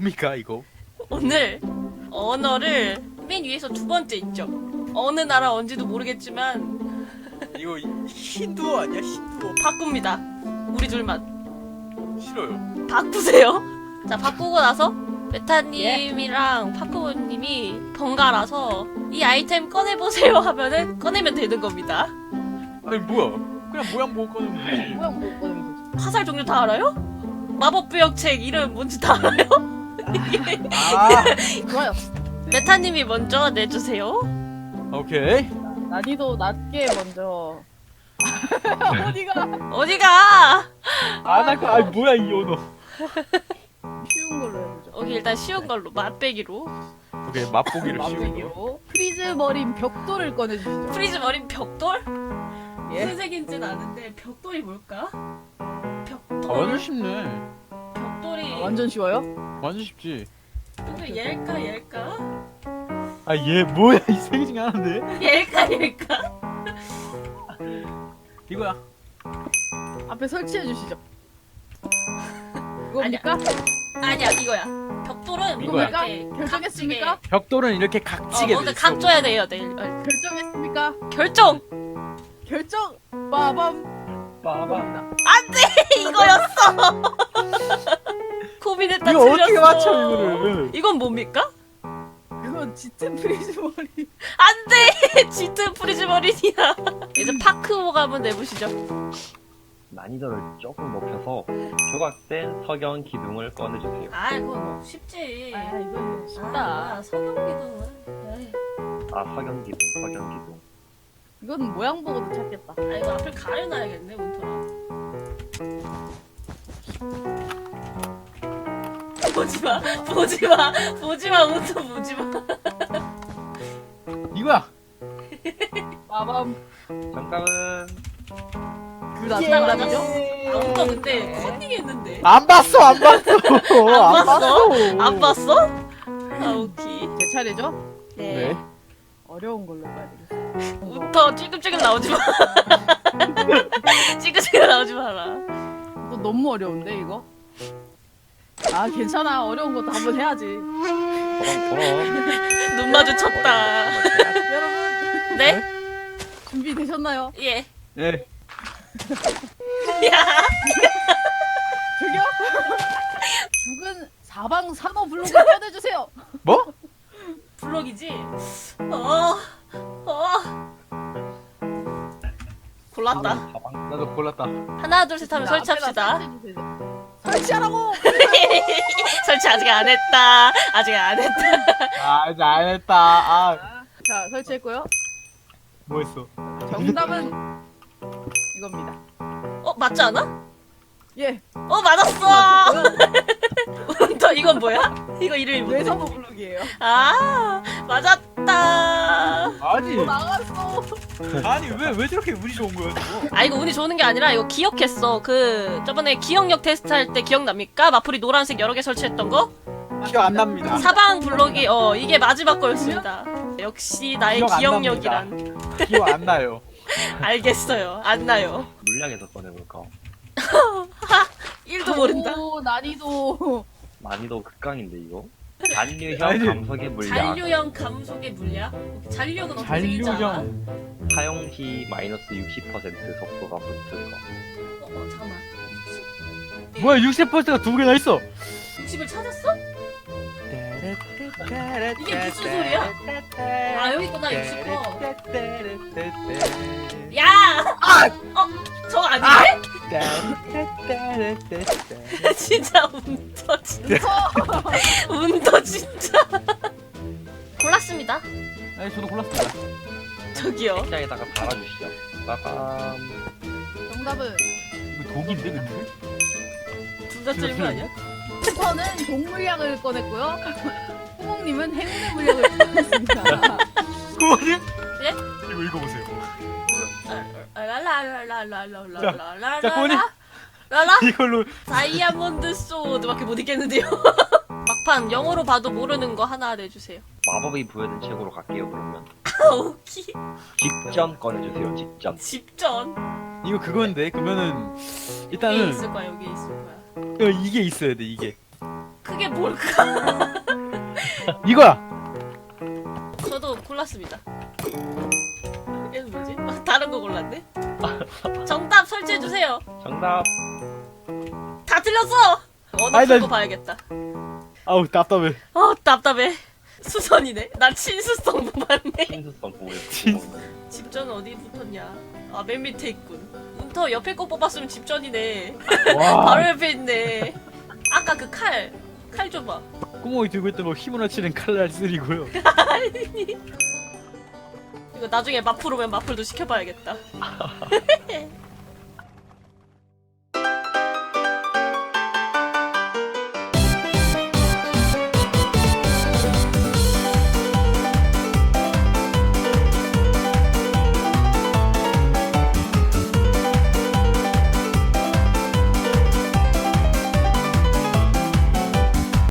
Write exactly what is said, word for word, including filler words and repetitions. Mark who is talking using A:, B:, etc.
A: 뭡니까 이거?
B: 오늘 언어를 맨 위에서 두 번째 있죠. 어느 나라 언지도 모르겠지만
A: 이거 힌두어 아니야 힌두어?
B: 바꿉니다. 우리 둘만
A: 싫어요.
B: 바꾸세요. 자, 바꾸고 나서 베타님이랑 파크보님이 번갈아서 이 아이템 꺼내보세요 하면은 꺼내면 되는 겁니다.
A: 아니 뭐야? 그냥 모양 보고 꺼내면 되지.
C: 모양 못 보는 거지.
B: 화살 종류 다 알아요? 마법부역책 이름 뭔지 다 알아요?
A: 아
C: 좋아요.
B: 베타님이 먼저 내주세요.
A: 오케이.
C: 난이도 낮게 먼저. 어디가?
B: 어디가?
A: 아나 그 아니 뭐야 이 언어.
C: 쉬운 걸로 해보죠.
B: 오케이, 일단 쉬운 걸로 맛배기로.
A: 오케이 맛보기를 쉬운 거.
C: 맛보기로. 프리즈 머린 벽돌을 꺼내주시죠.
B: 프리즈 머린 벽돌?
C: 예.
B: 무슨 색인지는 아는데 벽돌이 뭘까?
A: 아,
B: 벽돌.
A: 완전 쉽네.
B: 벽돌이
C: 완전 쉬워요?
A: 완전 쉽지.
B: 근데 얘일까 얘일까?
A: 아 얘 뭐야 이 세 개 중에 하나인데?
B: 얘일까 얘일까?
A: 이거야.
C: 앞에 설치해 주시죠. 이겁니까?
B: 아니야, 이거야. 벽돌은
A: 이거야.
B: 뭔가 이렇게
C: 결정했습니까?
A: 벽돌은 이렇게
B: 각지게-
A: 각지게
B: 어,
A: 돼
B: 먼저
A: 있어.
B: 각 줘야 돼요 내일. 어,
C: 결정했습니까?
B: 결정!
C: 결정! 빠밤!
A: 빠밤.
B: 이거였어! 고민했다.
A: 이거 어떻게
B: 틀렸어.
A: 맞춰 이거를?
B: 이건 뭡니까?
C: 그건 짙은 프리즈 머린.
B: 안돼! 짙은 프리즈 머린이야. 이제 파크보가 한번 내보시죠.
D: 난이도를 조금 높여서 조각된 석영 기둥을 꺼내주세요.
B: 아, 이거 뭐 쉽지.
C: 아, 이건 쉽다.
B: 아, 석영기둥은. 에이.
D: 아, 석영 기둥, 석영 기둥.
C: 이건 모양 보고도 찾겠다.
B: 아, 이거 앞을 가려놔야겠네, 문터랑. 보지마, 보지마, 보지마, 문터 보지마.
A: 이거야.
C: 빠밤.
D: 정답은
C: 그
B: 예,
C: 나중에
B: 맞았어.
C: 나죠?
B: 아, 문터 근데 컨닝했는데.
A: 안 봤어 안 봤어.
B: 안 봤어? 안 봤어? 아, 오케이.
C: 제 차례죠?
B: 네.
A: 네.
C: 어려운 걸로 해야 되겠어.
B: 문터 찔끔찔끔 나오지 마. 찔끔찔끔 나오지 마라.
C: 이거 너무 어려운데 이거? 아 괜찮아. 어려운 것도 한번 해야지.
D: 저런 저런.
B: 눈 마주쳤다.
C: 여러분
B: 네?
C: 준비되셨나요?
B: 예.
A: 예.
B: 야!
C: 저기요? 죽은 사방 산호 블록을 꺼내주세요.
A: 뭐?
B: 블럭이지? 어, 어. 골랐다.
D: 가방.
A: 나도 골랐다.
B: 하나, 둘, 셋 하면
C: 자,
B: 설치합시다.
C: 앞에다 설치해주세요. 설치하라고!
B: 설치 아직 안 했다. 아직 안 했다.
A: 아 이제 안 했다. 아
C: 자 설치했고요.
A: 뭐했어?
C: 정답은 이겁니다.
B: 어, 맞지 않아?
C: 예.
B: 어, 맞았어! 또 이건 뭐야? 이거 이름이 뭐지?
C: 외산호 블록이에요.
B: 아, 맞았다.
A: 아니
C: 나갔어.
A: 아니 왜 왜 저렇게 운이 좋은 거야 저거?
B: 아, 이거 운이 좋은 게 아니라 이거 기억했어. 그, 저번에 기억력 테스트 할 때 기억납니까? 마플이 노란색 여러 개 설치했던 거?
A: 기억 안 납니다.
B: 사방 블록이, 어, 이게 마지막 거였습니다. 역시 나의
A: 기억 안
B: 기억력이란.
A: 기억 안 나요.
B: 알겠어요. 안 나요.
D: 물량에서 꺼내볼까?
B: 일도 모른다.
C: 오, 난이도.
D: 난이도 극강인데 이거? 잔류형
A: 아니,
D: 감석의 물량.
B: 잔류형 감속의 물약? 잔류형은 어떻게 생기지 않아?
A: 잔류형.
D: 사용 시 마이너스 육십 퍼센트 속도가 붙은 거.
B: 어, 어, 잠깐만.
A: 뭐야 육십 퍼센트가 두 개나 있어?
B: 육십을 찾았어? 이게 무슨 소리야? 아, 여기 있구나, 육십 퍼. 야! 어, 저거 아니네? 진짜 운터 진짜. 운터 진짜. 골랐습니다.
A: 아니 저도 골랐습니다.
B: 저기요.
D: 책장에다가 달아주시죠. 빠밤.
C: 정답은
A: 이거 독인데 근데?
B: 둘 다 틀린 거 아니야?
C: 슈퍼는 동물약을 꺼냈고요. 호몽님은 행운의 물약을 꺼냈습니다.
A: 그거님?
B: 예?
A: 이거 읽어보세요.
B: 라라라라라라라라라라.
A: 자, 고은이.
B: 라라?
A: 이걸로
B: 다이아몬드 소드밖에 못 읽겠는데요. 막판 영어로 봐도 모르는 거 하나 내주세요.
D: 마법이 부여된 책으로 갈게요 그러면.
B: 아, 오키.
D: 직전 꺼내주세요. 직전.
B: 집전.
A: 이거 그건데 그러면은
B: 여기
A: 일단은
B: 있을 거야. 여기 있을 거야.
A: 어, 이게 있어야 돼 이게.
B: 그게 뭘까?
A: 이거야.
B: 저도 골랐습니다. 얘는 뭐지? 아, 다른 거 골랐네? 정답 설치해주세요.
D: 정답.
B: 다 틀렸어! 언어
A: 아니, 나-
B: 풀고 봐야겠다.
A: 아우 답답해.
B: 어, 답답해. 수선이네? 나 친수성 뽑았네.
D: 친수성 보호였어.
A: 친-
B: 집전 어디 붙었냐? 아, 맨 밑에 있군. 운터 옆에 거 뽑았으면 집전이네.
A: 와.
B: 바로 옆에 있네. 아까 그 칼. 칼 줘봐.
A: 구멍이 들고 있던 거 힘으로 치는 칼날 쓰리고요.
B: 이거 나중에 마플 오면 마플도 시켜봐야겠다.